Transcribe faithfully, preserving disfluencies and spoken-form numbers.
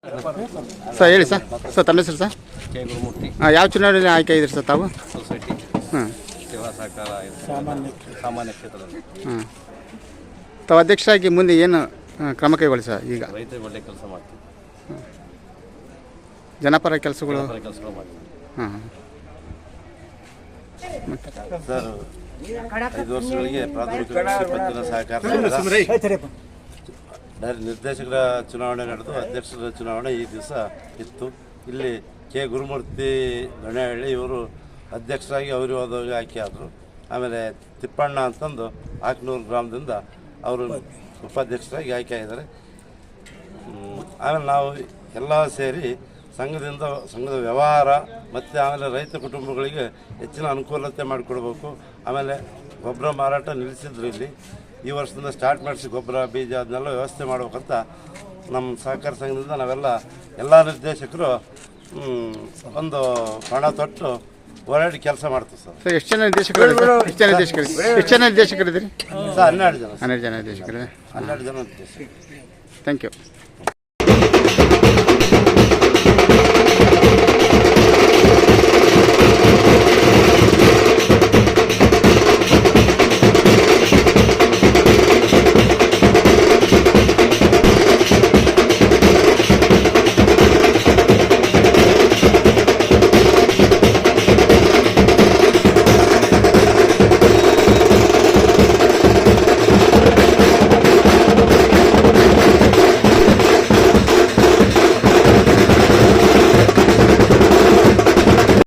Sir ಹೇಳಿ sir sir ತಮ್ಮ ಹೆಸರು ಸರ್ ಕೆ ಗುರುಮೂರ್ತಿ ಹಾಂ ಯಾವ ಚುನಾವಣೆಯಲ್ಲಿ ಆಯ್ಕೆ ಆಗಿದ್ರಿ ಸರ್ ತಾವು ಸೊಸೈಟಿ ಹಾಂ ಸೇವಾ ಸಹಕಾರ ಸಾಮಾನ್ಯ ಸಾಮಾನ್ಯ ಕ್ಷೇತ್ರದಲ್ಲಿ ಹಾಂ ತಾವು ಅಧ್ಯಕ್ಷರಾಗಿ ಮುಂದೆ ಏನು ಆ, ಕ್ರಮ ಕೈಗೊಳ್ಳಿ ಸರ್ ಈಗ ರೈತರಿಗೆ ಒಳ್ಳೆ ಕೆಲಸ ಮಾಡ್ತೀವಿ ಜನಪರ ಕೆಲಸಗಳು ಜನಪರ ಕೆಲಸಗಳು ಮಾಡ್ತೀವಿ ಹಾಂ ಸರ್ ಐದು ವರ್ಷಗಳಿಗೆ ಪ್ರಾಥಮಿಕ ಕೃಷಿ ಪತ್ತಿನ ಸಹಕಾರ ನಿರ್ದೇಶಕರ ಚುನಾವಣೆ ನಡೆದು ಅಧ್ಯಕ್ಷರ ಚುನಾವಣೆ ಈ ದಿವಸ ಇತ್ತು. ಇಲ್ಲಿ ಕೆ ಗುರುಮೂರ್ತಿ ಗಣೇಹಳ್ಳಿ ಇವರು ಅಧ್ಯಕ್ಷರಾಗಿ ಅವರು ಹೋದಾಗ ಆಯ್ಕೆ ಆದರು. ಆಮೇಲೆ ತಿಪ್ಪಣ್ಣ ಅಂತಂದು ಆಕ್ನೂರು ಗ್ರಾಮದಿಂದ ಅವರು ಉಪಾಧ್ಯಕ್ಷರಾಗಿ ಆಯ್ಕೆ ಆಗಿದ್ದಾರೆ. ಆಮೇಲೆ ನಾವು ಎಲ್ಲ ಸೇರಿ ಸಂಘದಿಂದ ಸಂಘದ ವ್ಯವಹಾರ ಮತ್ತು ಆಮೇಲೆ ರೈತ ಕುಟುಂಬಗಳಿಗೆ ಹೆಚ್ಚಿನ ಅನುಕೂಲತೆ ಮಾಡಿಕೊಡ್ಬೇಕು. ಆಮೇಲೆ ಗೊಬ್ಬರ ಮಾರಾಟ ನಿಲ್ಲಿಸಿದ್ರು ಇಲ್ಲಿ ಈ ವರ್ಷದಿಂದ ಸ್ಟಾರ್ಟ್ ಮಾಡಿಸಿ ಗೊಬ್ಬರ ಬೀಜ ಅದನ್ನೆಲ್ಲ ವ್ಯವಸ್ಥೆ ಮಾಡ್ಬೇಕಂತ ನಮ್ಮ ಸಹಕಾರ ಸಂಘದಿಂದ ನಾವೆಲ್ಲ ಎಲ್ಲ ನಿರ್ದೇಶಕರು ಒಂದು ಹಣ ತೊಟ್ಟು ಓಡಾಡಿ ಕೆಲಸ ಮಾಡ್ತೀವಿ ಸರ್. ಸರ್ ಎಷ್ಟು ಜನ ನಿರ್ದೇಶಕರು ಎಷ್ಟು ಜನ ನಿರ್ದೇಶಕರು ಎಷ್ಟು ಜನ ನಿರ್ದೇಶಕರಿದ್ದೀರಿ ಸರ್ ಹನ್ನೆರಡು ಜನ ಹನ್ನೆರಡು ಜನ ನಿರ್ದೇಶಕರು ಹನ್ನೆರಡು ಜನ ನಿರ್ದೇಶಕರು. Thank you.